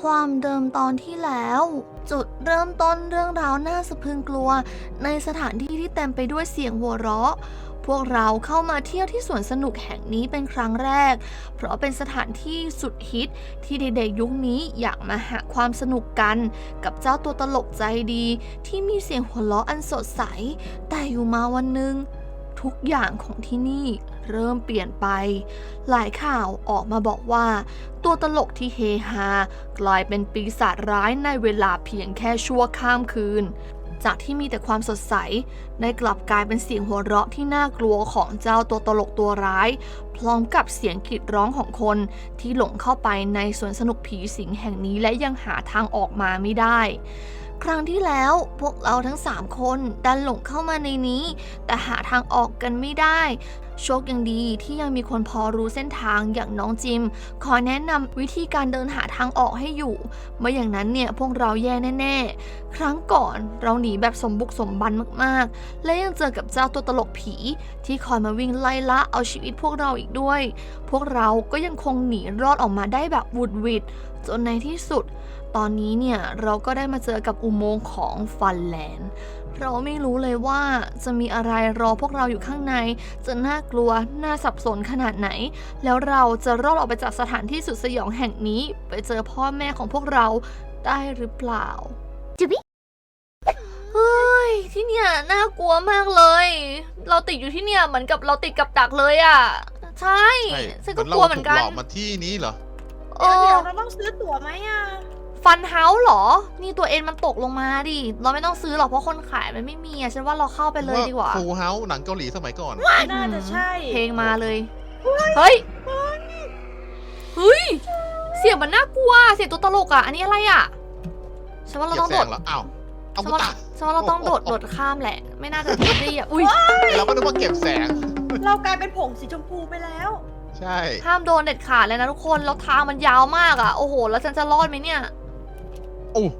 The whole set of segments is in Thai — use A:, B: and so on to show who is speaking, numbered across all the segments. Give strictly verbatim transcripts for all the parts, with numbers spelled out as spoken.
A: ความเดิมตอนที่แล้ว จุดเริ่มต้นเรื่องราวน่าสะพรึงกลัวในสถานที่ที่เต็มไปด้วยเสียงหัวเราะพวกเราเข้ามาเที่ยวที่สวนสนุกแห่งนี้เป็นครั้งแรกเพราะเป็นสถานที่สุดฮิตที่เด็กๆยุคนี้อยากมาหาความสนุกกันกับเจ้าตัวตลกใจดีที่มีเสียงหัวเราะอันสดใสแต่อยู่มาวันหนึ่งทุกอย่างของที่นี่เริ่มเปลี่ยนไปหลายข่าวออกมาบอกว่าตัวตลกที่เฮฮากลายเป็นปีศาจร้ายในเวลาเพียงแค่ชั่วข้ามคืนจากที่มีแต่ความสดใสได้กลับกลายเป็นเสียงหัวเราะที่น่ากลัวของเจ้าตัวตลกตัวร้ายพร้อมกับเสียงกรีดร้องของคนที่หลงเข้าไปในสวนสนุกผีสิงแห่งนี้และยังหาทางออกมาไม่ได้ครั้งที่แล้วพวกเราทั้งสามคนดันหลงเข้ามาในนี้แต่หาทางออกกันไม่ได้โชคยังดีที่ยังมีคนพอรู้เส้นทางอย่างน้องจิมคอยแนะนำวิธีการเดินหาทางออกให้อยู่ไม่อย่างนั้นเนี่ยพวกเราแย่แน่ๆครั้งก่อนเราหนีแบบสมบุกสมบันมากๆและยังเจอกับเจ้าตัวตลกผีที่คอยมาวิ่งไล่ล่าเอาชีวิตพวกเราอีกด้วยพวกเราก็ยังคงหนีรอดออกมาได้แบบวุดวิดจนในที่สุดตอนนี้เนี่ยเราก็ได้มาเจอกับอุโมงค์ของฟันแลนด์เราไม่รู้เลยว่าจะมีอะไรรอพวกเราอยู่ข้างในจะน่ากลัวน่าสับสนขนาดไหนแล้วเราจะรอดออกไปจากสถานที่สุดสยองแห่งนี้ไปเจอพ่อแม่ของพวกเราได้หรือเปล่าจิบิเฮ้ยที่เนี่ยน่ากลัวมากเลยเราติดอยู่ที่เนี่ยเหมือนกับเราติดกับดักเลยอ่ะใช่ฉันก็กลัวเหมือนกัน
B: เราถูกหลอกมาที่นี้เหรอ
C: เดี๋ยวเราต้องซื้อตั๋วไหมอ่ะ
A: ฟันเฮาส์เหรอนี่ตัวเอ็นมันตกลงมาดิเราไม่ต้องซื้อหรอกเพราะคนขายมันไม่มีอะฉันว่าเราเข้าไปเลยดีกว่า
B: ฟูลเฮาส์หนังเกาหลีสมัยก่อน
C: น่าจะใช่
A: เพลงมาเลยเฮ้ยเฮ้ยเสียงมันน่ากลัวเสียงตัวตลกอ่ะอันนี้อะไรอ่ะฉันว่าเราต้องโดด
B: อ้าวเอา
A: ฉันว่าฉันว่าเราต้องโดดโดดข้ามแหละไม่น่าจะดีอ่ะอุ้ย
B: เราก็นึกว่าเก็บแสง
C: เรากลายเป็นผงสีชมพูไปแล้ว
B: ใช่
A: ห้ามโดนเด็ดขาดเลยนะทุกคนแล้วทางมันยาวมากอ่ะโอ้โหแล้วฉันจะรอดไหมเนี่ย
B: โอ้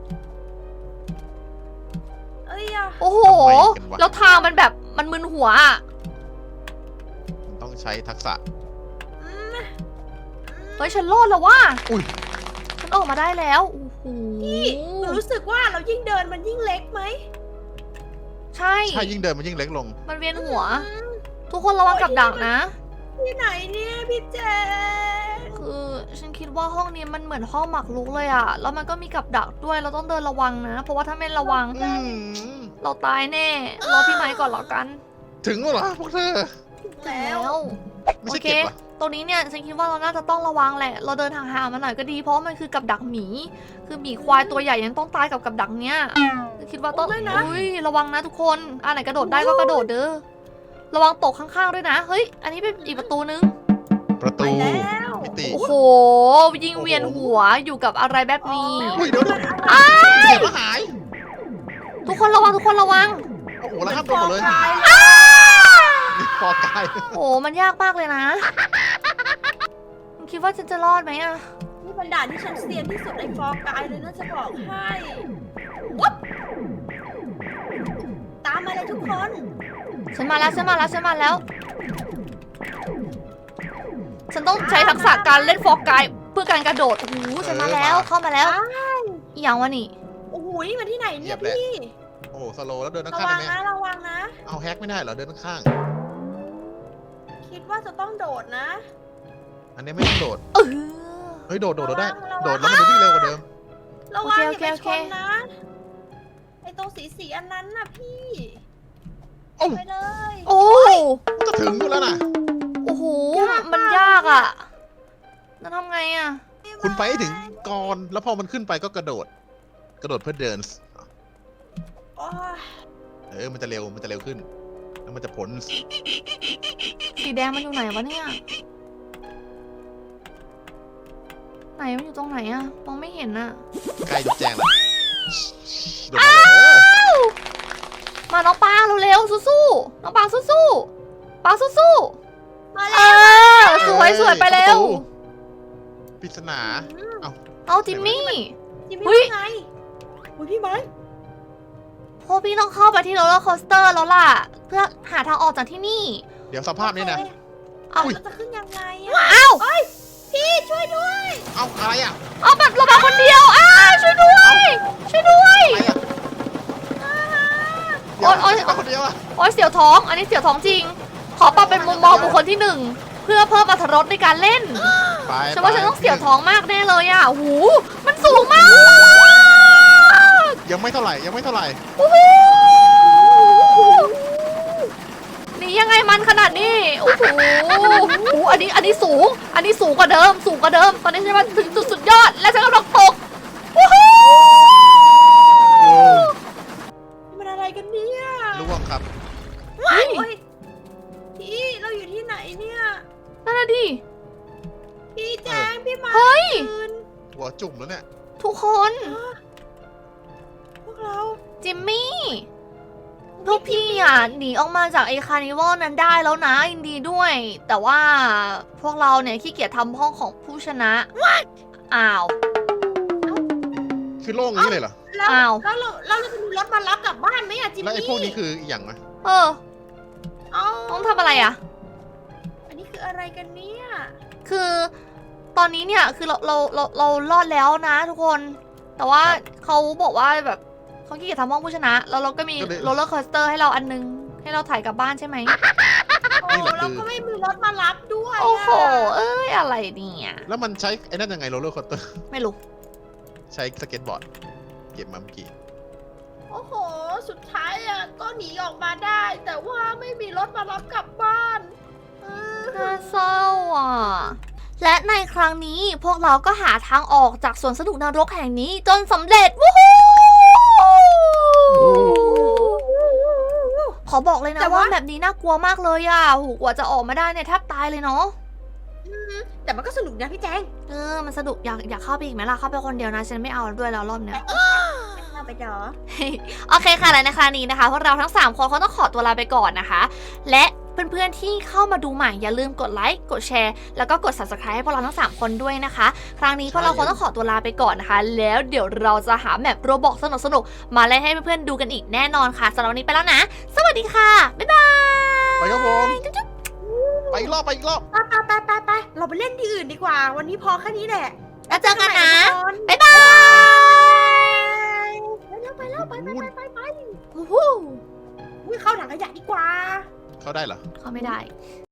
C: เอ้ยอะ
A: โอ้โหแล้วทางมันแบบมันมึนหัวอ่ะ
B: ต้องใช้ทักษะ
A: เฮ้ยฉันรอดแล้วว่ะ
B: อุ้ย
A: ฉันออกมาได้แล้วโอ้โห
C: พี่หนูรู้สึกว่าเรายิ่งเดินมันยิ่งเล็กไหม
A: ใช่
B: ใช่ยิ่งเดินมันยิ่งเล็กลง
A: มันเวียนหัวทุกคนระวังกับดักนะ
C: ที่ไหนเนี่ยพี่แจ
A: คือฉันคิดว่าห้องนี้มันเหมือนห้องหมากรุกเลยอะแล้วมันก็มีกับดักด้วยเราต้องเดินระวังนะเพราะว่าถ้าไม่ระวังเราตายแน่รอพี่ไม้ก่อนแล้วกัน
B: ถึงแล้วเหรอพวกเธอ
A: แล้วโอเคตรงนี้เนี่ยฉันคิดว่าเราน่าจะต้องระวังแหละเราเดินห่างๆมาหน่อยก็ดีเพราะมันคือกับดักหมีคือหมีควายตัวใหญ่ยังต้องตายกับกับดักเนี้ยคิดว่าต้องอุ้ยระวังนะทุกคนอันไหนกระโดดได้ก็กระโดดเด้อระวังตกข้างๆด้วยนะเฮ้ยอันนี้เป็นอีกประตูนึง
B: ประตู
A: มิติโอ้โหยิงเวียนหัวอยู่กับอะไรแบบนี้
B: เดี๋ยว
A: อ้าย
B: หาย
A: ทุกคนระวังทุกคนระวัง
B: โอ้โหแล้วห้ามโดนเลยฟอร์กาย
A: โอ้มันยากมากเลยนะคิดว่าฉันจะรอดไหมอะ
C: นี่เป็นด่านที่ฉันเซียนที่สุดในฟอร์กายเลยน่าจะบอกให้วับตามมาเลยทุกคน
A: ฉันมาแล้วฉันมาแล้วฉันมาแล้วฉันต้องใช้ทักษะการเล่นฟอร์กายเพื่อการกระโดดโอ้โหฉันมาแล้วเข้ามาแล้วอีหยังวะนี่
C: โอ้โหนี่มาที่ไหนเนี่ยพี่
B: โอ้โหสโลแล้วเดินข้าง
C: ระวังนะระวังนะ
B: เอาแฮกไม่ได้เหรอเดินข้าง
C: คิดว่าจะต้องโดดนะ
B: อันนี้ไม่ต้องโดดเฮ้ยโดดโดดได้โดดแล้วมันจะวิ่งเร็วกว่าเดิม
C: ระวังอย่าไปชนนะไอตรงสีสีอันนั้นน่ะพี่ไปเลย
A: โอ้
B: จะถึงอยู่แล้วนะ
A: โอ้โหมันยากอ่ะแล้วทำไงอ่ะ
B: คุณไปให้ถึงก่อนแล้วพอมันขึ้นไปก็กระโดดกระโดดเพื่อเดินเออมันจะเร็วมันจะเร็วขึ้นแล้วมันจะผล
A: สีแดงมันอยู่ไหนวะเนี่ยไหนมันอยู่ตรงไหนอ่ะมองไม่เห็นอ่ะ
B: ใกล้จะแจ้งแล้ว
A: มาน้องปางเร็วๆสู้ๆน้องปางสู้ๆปางสู้
C: ๆมาแล้ว
A: สวยสวยไปเร็ว
B: ปริศนาเอา
A: เอาจิมมี่
C: จิมมี่ไงอุ้ยพี่ไม้
A: พวกพี่ต้องเข้าไปที่โรลเลอร์โคสเตอร์แล้วล่ะเพื่อหาทางออกจากที่นี่
B: เดี๋ยวสภาพนี้นะ
C: เอาจะขึ้นยังไง
A: อ้าว
C: พี่ช่วยด้วย
B: เอาอะไรอ่ะ
A: เอาแบบเรามาคนเดียวอ้าท้อง อันนี้เสียวท้องจริง ขอปรับเป็นมุมมองบุคคลที่หนึ่งเพื่อเพิ่มอรรถรสในการเล่น
B: ไป
A: ฉันว่าฉันต้องเสียวท้องมากแน่เลยอ่ะโอ้โหมันสูงมาก
B: ยังไม่เท่าไหร่ยังไม่เท่าไหร่
A: โอ้โหนี่ยังไงมันขนาดนี้โอ้โหโอ้โหอันนี้อันนี้สูง อันนี้สูงกว่าเดิม สูงกว่าเดิม ตอนนี้ฉันมาถึงจุดสุดยอด และฉันกำลังตกโอ้โห
C: มันอะไรกันเนี่ย
B: ล่วงครับ
A: เฮ้ย
C: โอ้ยพี่เราอยู่ที่ไหนเนี่ย
A: นั่นน่ะดิ
C: พี่แจงพี่มา
A: เฮ้ย
C: คืน
B: หัวจุ่มแล้วเนี่ย
A: ทุกคน
C: พวกเรา
A: จิมมี่พวกพี่อ่ะหนีออกมาจากไอ้คาร์นิวัลนั้นได้แล้วนะยินดีด้วย แต่ว่าพวกเราเนี่ยขี้เกียจทำห้องของผู้ชนะอ้าว
B: คือโล่งอย่างนี้เลยเหรอ
C: แล้ว
A: อ้าว
C: แล้วเราแล้วเราจะมีรถมารับกลับบ้านไหมอะจิม
B: แล้วไอ้
C: มี่
B: พวกนี้คืออีกอย่างไหม
A: เออ
C: เอ้า
A: ต้องทำอะไรอ่ะ
C: อันนี้คืออะไรกันเนี่ย
A: คือตอนนี้เนี่ยคือเราเราเราเรารอดแล้วนะทุกคน แต่ว่าเขาบอกว่าแบบเขาขี้เกียจทำห้องผู้ชนะ แล้วเราก็มีโรลเลอร์คอสเตอร์ให้เราอันนึง ให้เราถ่ายกลับบ้านใช่ไหม
C: โอ้เราก็ไม่มีรถมารับด้วยะ
A: โอ้โห เอ้ยอะไรเนี่ย
B: แล้วมันใช้ไอ้นั่นยังไงโรลเลอร์คอสเตอร์
A: ไม่รู้
B: ใช้สเก็ตบอร์ดเก็บมาเมื่อกี้
C: โอ้โห สุดท้ายอะก็หนีออกมาได้ แต่ว่าไม่มีรถมารับกลับบ้านเออ
A: น่าเศร้าอ่ะ และในครั้งนี้พวกเราก็หาทางออกจากสวนสนุกนรกแห่งนี้จนสำเร็จวู้ฮู้ขอบอกเลยนะว่าแบบนี้น่ากลัวมากเลยอ่ะโหกว่าจะออกมาได้เนี่ยแทบตายเลยเนาะ
C: แต่มันก็สนุกนะพี่แจง
A: เออ มันสนุกอยากอยากเข้าไปอีกไหมล่ะ เข้าไปคนเดียวนะ ฉันไม่เอาด้วยแล้วรอบเนี้ย
C: เราไปดอ
A: โอเคค่ะและในครั้งนี้นะคะพวกเราทั้งสามคนเขาต้องขอตัวลาไปก่อนนะคะ และเพื่อนๆที่เข้ามาดูใหม่อย่าลืมกดไลค์กดแชร์แล้วก็กด ซับสไครบ์ ให้พวกเราทั้งสามคนด้วยนะคะ ครั้งนี้พวกเราคงต้องขอตัวลาไปก่อนนะคะ แล้วเดี๋ยวเราจะหาแมปโรบอกสนุกๆมาเล่นให้เพื่อนๆดูกันอีกแน่นอนค่ะสำหรับวันนี้ไปแล้วนะ สวัสดีค่ะบ๊ายบาย
B: ไปครับผมไปอีกรอบไปอีกรอบ
C: ไปไปไปไปไปเราไปเล่นที่อื่นดีกว่า วันนี้พอแค่นี้แหละ
A: แล้วเจอกันนะ
C: ไป
A: บ๊ายบาย
C: แล้วไปแล้วไปไปไปไปไป
A: วู้ฮู้
C: อุ้ยเข้าถังขยะดีกว่า
B: เข้าได้เหรอ
A: เข้าไม่ได้
C: เ